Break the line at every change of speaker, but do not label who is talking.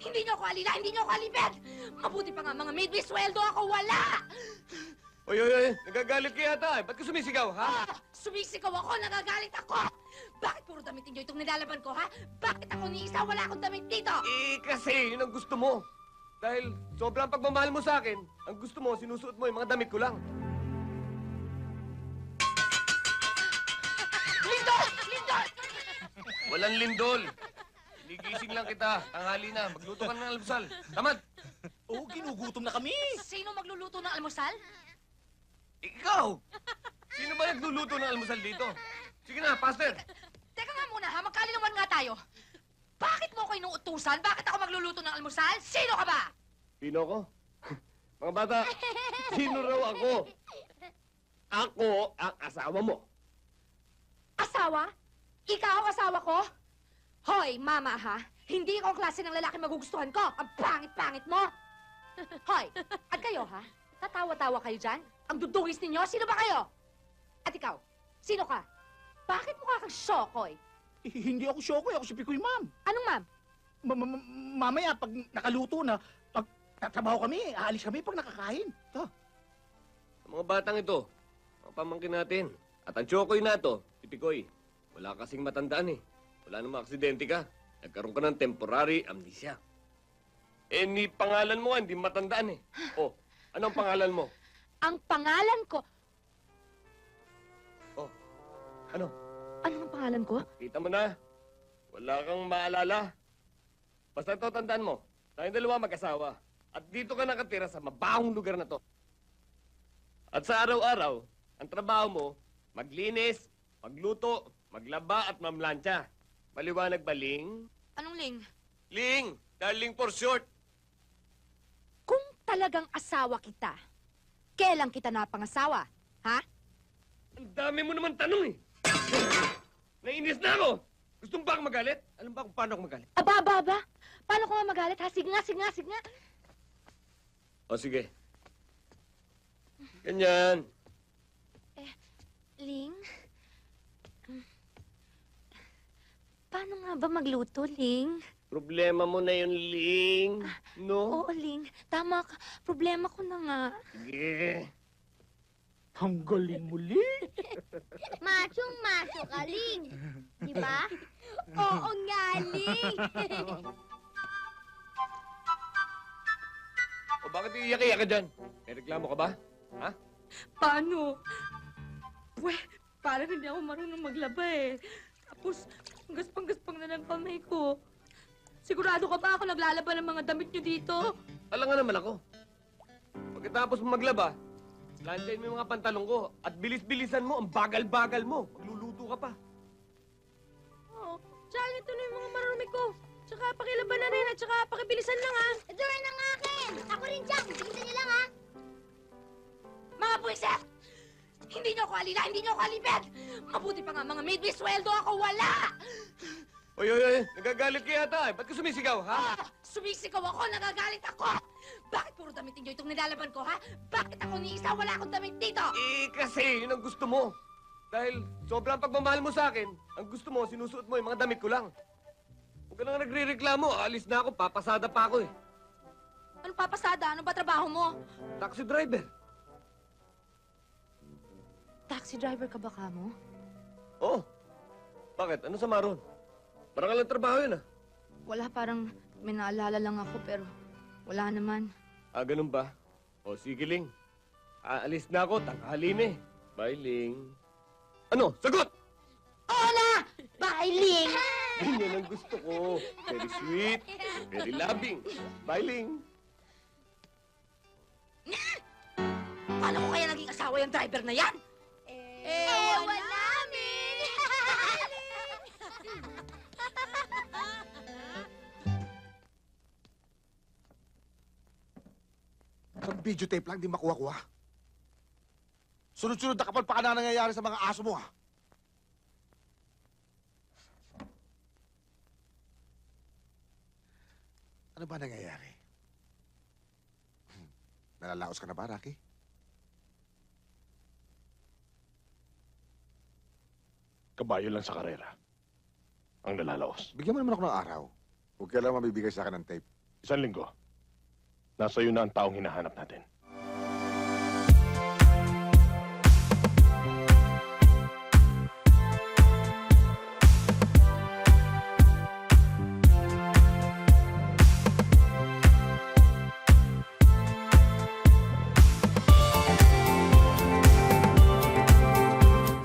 Hindi niyo ako alila, hindi niyo ako alipin! Mabuti pa nga mga maid, may sweldo ako, wala!
Oy, nagagalit ka yata eh. Ba't ka sumisigaw, ha?
Sumisigaw ako, nagagalit ako! Bakit puro damit niyo itong nilalaban ko, ha? Bakit ako ni isa, wala akong damit dito?
Eh, kasi yun ang gusto mo. Dahil sobrang pagmamahal mo sa akin, ang gusto mo, sinusuot mo yung mga damit ko lang.
Lindol! Lindol!
Walang lindol. Ligising lang kita. Tanghali na. Magluto ka ng almusal. Tamad.
Oo, ginugutom na kami.
Sino magluluto ng almusal?
Ikaw! Sino ba nagluluto ng almusal dito? Sige na, Pastor.
Teka nga muna, ha? Magkalinawan nga tayo. Bakit mo ako inuutusan? Bakit ako magluluto ng almusal? Sino ka ba?
Sino ko? Mga bata, sino raw ako? Ako ang asawa mo.
Asawa? Ikaw ang asawa ko? Hoy, mama, ha? Hindi ikaw ang klase ng lalaki magugustuhan ko. Ang pangit-pangit mo. Hoy, at kayo, ha? Tatawa-tawa kayo dyan? Ang dudungis ninyo? Sino ba kayo? At ikaw, sino ka? Bakit mukha kang Shokoy?
Hindi ako Shokoy, ako si Pikoy, ma'am.
Anong ma'am?
Mamaya, pag nakaluto na, pag tatrabaho kami, aalis kami pag nakakain. Ito.
Ang mga batang ito, ang pamangkin natin. At ang Chokoy na to, si Pikoy. Wala kasing matandaan eh. Wala namang aksidente ka. Nagkaroon ka ng temporary amnesia. Eh, ni pangalan mo hindi matandaan eh. Oh, anong pangalan mo?
Ang pangalan ko...
Oh, ano?
Ano ang pangalan ko?
Kita mo na. Wala kang maalala. Basta ito, tandaan mo. Tayong dalawa mag-asawa. At dito ka nakatira sa mabahong lugar na to. At sa araw-araw, ang trabaho mo, maglinis, magluto, maglaba at mamlansya. Maliwanag ba, Ling?
Anong ling?
Ling! Darling for short.
Kung talagang asawa kita, kailan kita napangasawa? Ha?
Ang dami mo naman tanong eh. Nainis na ako. Gusto mo ba akong magalit? Alam ba kung paano ako magalit?
Aba. Paano ko nga magalit, ha? Sige nga.
O sige. Ganyan.
Ling? Paano nga ba magluto, Ling?
Problema mo na yun, Ling. No?
Oo, Ling. Tama ka. Problema ko na nga.
Sige.
Ang galing muli.
Machong-macho ka, Ling. Di ba? Oo nga, Ling.
O bakit iiyak-iyak ka dyan? May reklamo ka ba? Ha?
Paano? Parang hindi ako marunong maglaba eh. Tapos, gaspang-gaspang na ng kamay ko. Sigurado ka ba ako naglalaba ng mga damit nyo dito?
Alam nga naman ako. Pagkatapos mo maglaba, lansyahin mo yung mga pantalong ko at bilis-bilisan mo, ang bagal-bagal mo. Magluluto ka pa.
Oo. Tsaka ito na yung mga marumi ko. Tsaka pakilaban na rin at tsaka pakibilisan lang ha.
Ito rin ang akin. Ako rin dyan. Bilisan niyo lang, ha?
Mga buwisit! Hindi niyo ako alila, hindi niyo ako alipin! Mabuti pa nga mga maid, may sweldo ako, wala!
Oy, nagagalit ka yata eh. Ba't ka sumisigaw, ha?
Sumisigaw ako, nagagalit ako! Bakit puro damit niyo itong nilalaban ko, ha? Bakit ako ni isa, wala akong damit dito?
Eh, kasi yun ang gusto mo. Dahil sobrang pagmamahal mo sa akin, ang gusto mo, sinusuot mo yung mga damit ko lang. Huwag ka na nagre-reklamo, alis na ako, papasada pa ako eh.
Ano papasada? Ano ba trabaho mo?
Taxi driver.
Taxi driver ka ba kamo?
Oh, bakit? Ano sa maron? Marangal ang trabaho yun ah.
Wala, parang may naalala lang ako pero wala naman.
Ah, ganun ba? O, sige, Ling. Aalis na ako, tanghali na eh. Bye, Ling. Ano? Sagot!
Oo na! Bye, Ling!
Ganyan ang gusto ko. Very sweet, very loving. Bye, Ling.
Paano ko kaya naging asawa yung driver na yan?
Ewan namin.
Isang videotape lang, di makuha-kuha. Sunod-sunod na kapal pa ka na nangyayari sa mga aso mo, ha? Ano ba nangyayari? Nalalaos ka na ba, Rocky?
Kabayo lang sa karera. Ang nalalaos.
Bigyan mo naman ako ng araw. Huwag ka lang mabibigay sa akin ng tape.
1 linggo. Nasa iyo na ang taong hinahanap natin.